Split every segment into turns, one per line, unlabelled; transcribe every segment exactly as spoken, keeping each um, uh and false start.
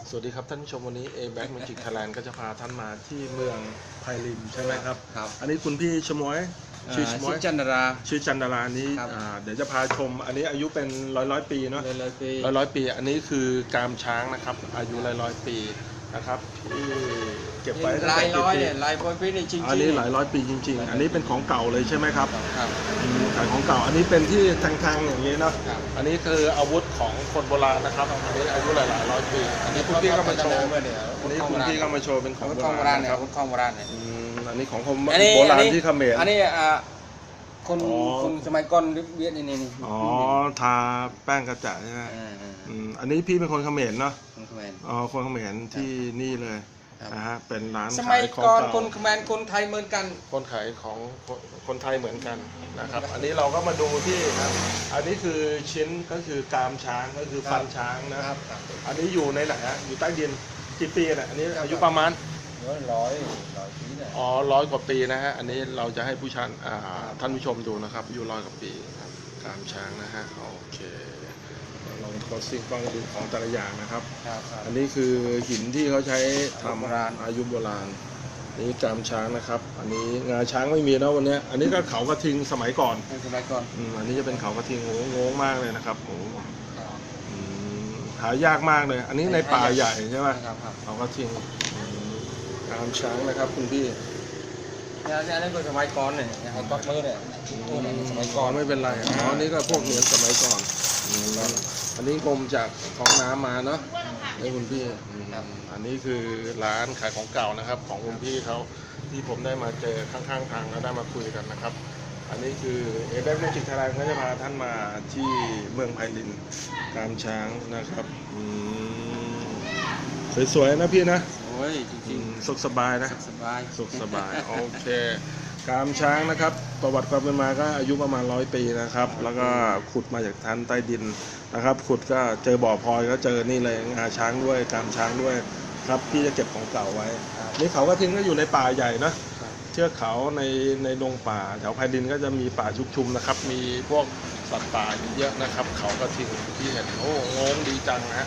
สวัสดีครับท่านผู้ชมวันนี้ A-Back Magic Thailand ก็จะพาท่านมาที่เมืองไพลินใช่ไหมครับ
ครับ
อันนี้คุณพี่ชมวย
ชื่อชมวยจันดารา
ชื่อจันดารานี้เดี๋ยวจะพาชมอันนี้อายุเป็นร้อยร้อยปีเนาะ
ร้อยร้อยปี
ร้อยร้อยปีอันนี้คือกามช้างนะครับอายุร้อยร้อยปีนะครับที่เก็บไว้ตั้ง
หลาย
แต่
ร้อย
ปี
เนี่ยหลายร้อยปีนี่จริงๆ
อันนี้หลายร้อยปีจริงๆอันนี้เป็นของเก่าเลยใช่ไหมครับ
ครับ
ขายของเก่าอันนี้เป็นที่ทางๆอย่างนี้เนาะ
ครับ
อันนี้คืออาวุธของคนโบราณนะครับอันนี้อายุหลายๆร้อยปีอันนี้คุณพี่ก็มาโชว์อันนี้คุณพี่ก็มาโชว์เป็นของโบราณ
เนี่ย
นะครับ
ของโบราณเนี่ย
อืมอันนี้ของคน
อันนี้
โบราณที่เขมร
อันนี้อ่าคน
อ๋อ
คนสมัยก่อนเวียดนี่นี่นี่
อ๋อทาแป้งกระจะใช่ไหม
อ่า
อืมอันนี้พี่เป็นคนเขมรเนาะ
คนเขมร
อ๋อคนเขมรที่นี่เลย
ครับ
นะฮะเป็นร้าน
สมั
ขาย ยของ
ก่อน
เก่า
คนเขมรคนไทยเหมือนกัน
คนขายของคนไทยเหมือนกันนะครับ อันนี้เราก็มาดูที่อันนี้คือชิ้นก็คือกรามช้างก็คือฟันช้างนะครับ
ครับ
อันนี้อยู่ในไหนฮะอยู่ใต้ดินกี่ปีน่ะอันนี้อายุประมาณ
ร้อยร้อยร้อยปีเนี่ย
อ๋อร้อยกว่าปีนะฮะอันนี้เราจะให้ผู้ชันอ่าท่านผู้ชมดูนะครับอายุร้อยกว่าปีครับกรามช้างนะฮะโอเคลองคอสซิ่งบ้างดูของแต่ละอย่างนะครับ
ครับครับ
อันนี้คือหินที่เขาใช้ทำ
โบราณ
อายุโบราณนี่กรามช้างนะครับ อันนี้งาช้างไม่มีนะวันนี้อันนี้ก็เขากระทิงสมัยก่อน
สมัยก่อน
อืมอันนี้จะเป็นเขากระทิงโหงงมากเลยนะครับโหอืมหายากมากเลย อันนี้ในป่าใหญ่ใช่ไหม
ครับครับ
เขากระทิงอืมกรามช้างนะครับคุณพี่
เนี่ยอันนี้ก็สมัยก่อนเนี่ยไอ้ก๊อตมือเนี่ยตู้เนี่ยสมัยก่อน
ไม่เป็นไรอ๋ออันนี้ก็พวกเหรียญสมัยก่อนอืมอันนี้งมจากท้องน้ำมาเนาะนี่คุณพี่อืมอันนี้คือร้านขายของเก่านะครับ ของคุณพี่เขาที่ผมได้มาเจอข้างๆทางแล้วได้มาคุยกันนะครับ อันนี้คือเอเดนเมจิกไทยแลนด์ก็จะพาท่านมาที่เมืองไพลินกามช้างนะครับอืมสวยๆนะพี่นะ
โอ้ยจ
อื
ริง
มสุขสบายนะ
ๆสบาย
สุขสบาย โอเคกามช้างนะครับ ประวัติความเป็นมาก็อายุประมาณร้อยปีนะครับ แล้วก็ขุดมาจากชั้นใต้ดินนะครับ ขุดก็เจอบ่อพลอยก็เจอนี่เลยงาช้างด้วยกามช้างด้วยครับพี่จะเก็บของเก่าไว้นี่เขาก็ทิ้งก็อยู่ในป่าใหญ่นะเทือกเขาในในดงป่าแถวไพลินก็จะมีป่าชุกชุมนะครับ มีพวกสัตว์ป่าเยอะนะครับ เขาก็ทิ้งที่เห็นโอ้งงดีจังนะฮะ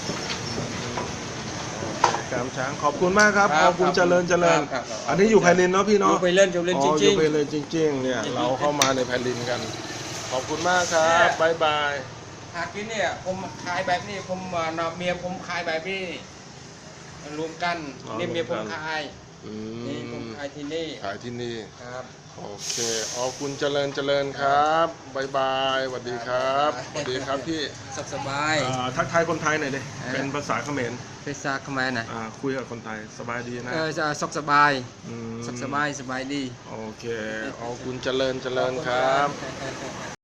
กามช้างขอบคุณมากครับขอบคุณเจริญเจริญ อันนี้อยู่ไพลินเนาะพี่
อ
เนาะ
ยู่ไปเล่นอยู่เล่นจ
อ๋ออ
ริ
ยู่
ง
ไพลินจริงๆเนี่ยเราเข้ามาในไพลินกัน ขอบคุณมากครับบ๊ายบาย
ๆหากกินเนี่ยผมขายแบบนี้ผมเอ่อนเมียผมขายแบบนี้รวมกันนี่เมียผมขาย
อื
นี่ผม
ม
ขายที่นี่
ขายที่นี่
ครับ
โอเคขอบคุณเจริญเจริญครับบ๊ายบายสวัสดีครับสวัสดีครับพี่
สุขสบาย
อ่าทักทายคนไทยหน่อยดิ
เออ
เป็นภาษาเขมร
ภาษาเขมรนะ
อ่าคุยกับคนไทยสบายดีนะ
เออจะสุขสบาย
อืม
สุขสบายสบายดี
โอเคขอบคุณเจริญเจริญครับ